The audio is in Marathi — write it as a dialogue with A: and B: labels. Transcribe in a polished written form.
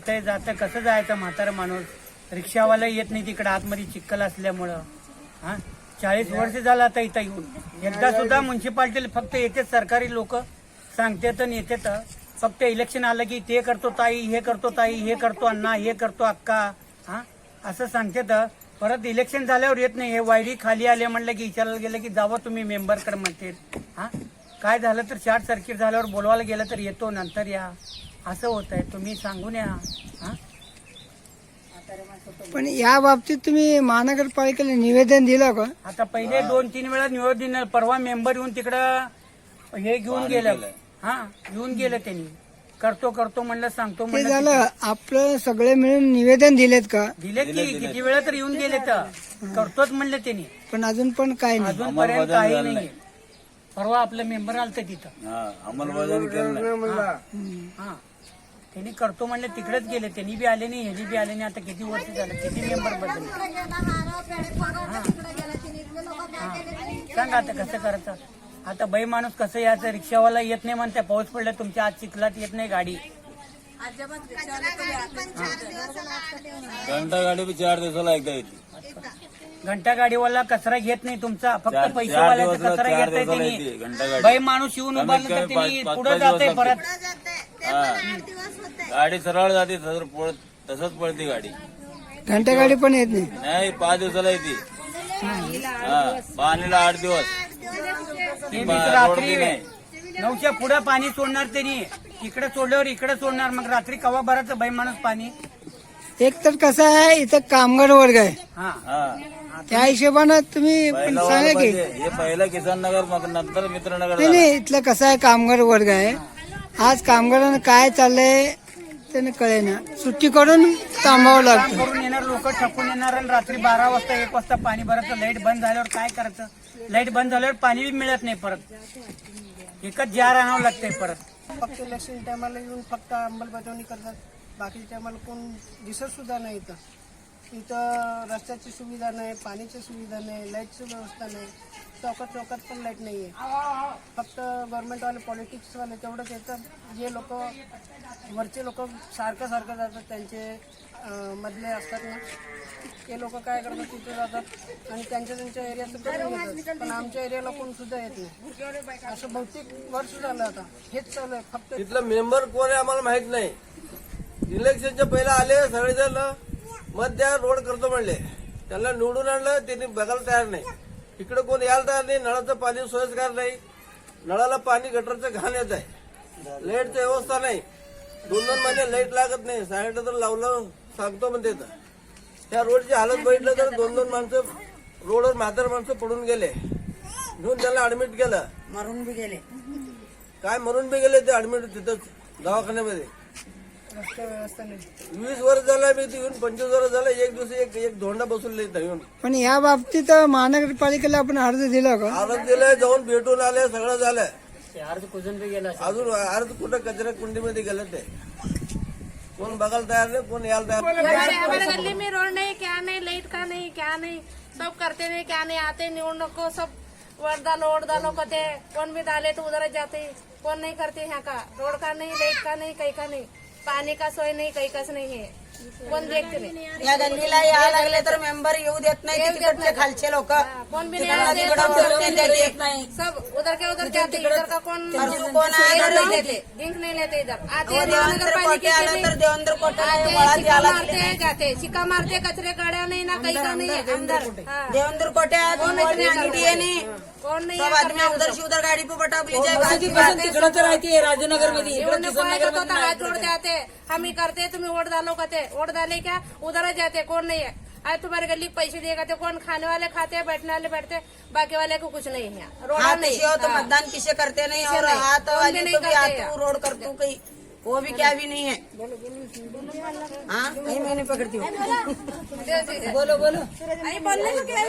A: येतंय जातं, कसं जायचं म्हातारं माणूस? रिक्षावाला येत नाही तिकडे आतमध्ये चिखल असल्यामुळं. हा 40 वर्ष झालं आता इथं येऊन. एकदा सुद्धा म्युन्सिपाल्टीला फक्त येते सरकारी लोक सांगतात आणि येतात. फक्त इलेक्शन आलं की ते करतो ताई, हे करतो ताई, हे करतो अण्णा, हे करतो अक्का, हा असं सांगतात. परत इलेक्शन झाल्यावर येत नाही. हे वायडी खाली आले म्हणलं की विचारायला गेलं की जावं तुम्ही मेंबरकडे म्हणते. हा काय झालं तर शॉर्ट सर्किट झाल्यावर बोलवायला गेलं तर येतो, नंतर या, असं होत आहे. तुम्ही सांगून या. हा
B: पण या बाबतीत तुम्ही महानगरपालिकेला निवेदन दिलं का?
A: आता पहिले 2-3 वेळा निवेदन, परवा मेंबर येऊन तिकडं हे घेऊन गेलं. हा घेऊन गेलं त्यांनी. करतो करतो म्हणलं, सांगतो
B: ते
A: म्हणलं.
B: झालं आपलं सगळे मिळून निवेदन दिलेत का?
A: दिले की किती वेळा तर येऊन गेले तर करतोच म्हणलं त्यांनी.
B: पण अजून पण काय नाही.
A: अजूनपर्यंत काही नाही. परवा आपलं मेंबर आलतं तिथं.
C: अंमलबजावणी केलं नाही.
A: हा त्यांनी करतो म्हणलं, तिकडेच गेले. त्यांनी बी आले नाही, ह्यानी बी आले नाही. आता किती वर्ष झालं, किती मेंबर बदलले. सांगा आता कसं करायचं. आता बाई माणूस कसं यायचं? रिक्षावाला येत नाही म्हणते, पाऊस पडला तुमच्या आज चिखलात येत नाही गाडी.
C: घंटा गाडी बी 4 दिवसाला एकदा येते.
A: घंटा गाडीवाला कचरा घेत नाही तुमचा, फक्त पैसेवाल्याचा कचरा घेत आहे त्यांनी. बाई माणूस येऊन उभारलं तर त्यांनी पुढे जाते परत.
C: गाडी सरळ जाते, तसंच पळते गाडी.
B: घंटा गाडी पण येत नाही.
C: नाही 5 दिवसाला येते. पाणीला 8 दिवस.
A: रात्री 9च्या पुढे पाणी सोडणार त्यांनी. इकडे सोडल्यावर इकडे सोडणार. मग रात्री कवा भरायचं बाई माणूस पाणी?
B: एक तर कसं आहे, इथं कामगार वर्ग आहे.
A: हा
B: त्या हिशोबानं तुम्ही पण सांगा की
C: हे पहिलं किसान नगर, मग नंतर मित्रनगर.
B: नाही नाही, इथलं कसं आहे, कामगार वर्ग आहे. आज कामगारांना काय चाललंय त्याने कळेना. सुट्टी करून थांबावं
A: काम
B: लागतं.
A: करून येणार लोक, ठपून येणार आणि रात्री 12 वाजता 1 वाजता पाणी भरायचं. लाईट बंद झाल्यावर काय करायचं? लाईट बंद झाल्यावर पाणी बी मिळत नाही. परत एकच जार आणावं लागतंय परत.
D: फक्त इलेक्शन टायमाला येऊन फक्त अंमलबजावणी करतात. बाकीच्या टायमाला कोण दिसत सुद्धा नाही. इथं रस्त्याची सुविधा नाही, पाण्याची सुविधा नाही, लाईटची व्यवस्था नाही. चौकात पण लाईट नाही आहे. फक्त गव्हर्नमेंटवाले पॉलिटिक्सवाले तेवढंच येतं. जे लोक वरचे लोक सारखं जातात, त्यांचे मधले असतात ना, ते लोक काय करतात, तिथे जातात आणि त्यांच्या एरियात करून येतात. पण आमच्या एरियाला कोण सुद्धा येत नाही. असं बहुतेक वर्ष झालं आता हेच चालू आहे. फक्त
E: तिथलं मेंबर कोण आहे आम्हाला माहित नाही. इलेक्शनच्या पहिला आले सगळेजण मत द्या, रोड करतो म्हणले. त्यांना निवडून आणलं, त्यांनी बघायला तयार नाही. इकडे कोण यायला तयार नाही. नळाचं पाणी सोयीस्कर नाही. नळाला पाणी गटरचं घाण येत आहे. लाईटची व्यवस्था नाही. 2-2 महिने लाईट लागत नाही. सॅनिटायझर लावलं सांगतो म्हणते. त्या रोडची हालत बघितलं तर 2-2 माणसं रोडवर म्हातार माणसं पडून गेले. घेऊन त्याला ऍडमिट केलं.
D: मरून बी गेले.
E: काय मरून बी गेले ते ऍडमिट तिथंच दवाखान्यामध्ये.
D: रस्ते व्यवस्था नाही.
E: 20 वर्ष झालं मी येऊन, 25 वर्ष झालं. एक दिवशी एक धोंडा बसवले इथं येऊन.
B: पण या बाबतीत महानगरपालिकेला आपण अर्ज दिला का?
E: अर्ज दिलंय, जाऊन भेटून आले, सगळं झालं.
A: अर्ज कुजून बी गेला.
E: अजून अर्ज कुठं कचरा कुंडीमध्ये गेलं ते. कोण बघायला तयार नाही, कोण यायला तयार नाही.
F: हमारे गली में रोड नहीं, क्या नहीं, लाइट का नहीं, क्या नहीं, सब करते नहीं, क्या नहीं, आते निवडणूक को सब वोट डालो कहते, कौन भी डाले तो उधर जाते, कौन नहीं करते यहाँ का, रोड का नहीं, लाइट का नहीं, कहीं का नहीं, पानी का सोय नहीं, कहीं का नहीं है, कोण देखते नाही.
G: या गल्लीला यायला लागले तर मेंबर येऊ देत नाही. तिकडचे खालचे लोक
F: कौन भी नहीं आते,
G: देत नाही.
F: सब उधर के उधर जाते, इधर का कौन
G: कोण
F: नहीं लेते, डिंक नहीं लेते. इधर आते हैं
G: देवेंद्र कोटे आलं तर देवेंद्र कोटे
F: चिक्का मारते जाते, चिक्का मारते, कचरे गाड्या नहीं ना, कहीं का नहीं है अंदर.
G: देवेंद्र कोटे नहीं.
F: कौन नहीं
G: सब आदमी उधर से उधर गाड़ी पे बटा तिकडं तर राहते राजनगर मध्ये.
F: हाथ जोड़ जाते, हम ही करते, तुम्हें वोट डालो कहते, वोट डाले क्या उधर जाते, कौन नहीं है. आज तुम्हारे गली पैसे देगा तो कौन, खाने वाले खाते, बैठने वाले बैठते, बाकी वाले को कुछ नहीं है. रोड नहीं
G: हो तो मतदान किसे करते नहीं. और हाथ वाली तो भी आतू रोड करतू कहीं, वो भी क्या भी नहीं है. हाँ कहीं मैं नहीं पकड़ती हूँ.
F: बोलो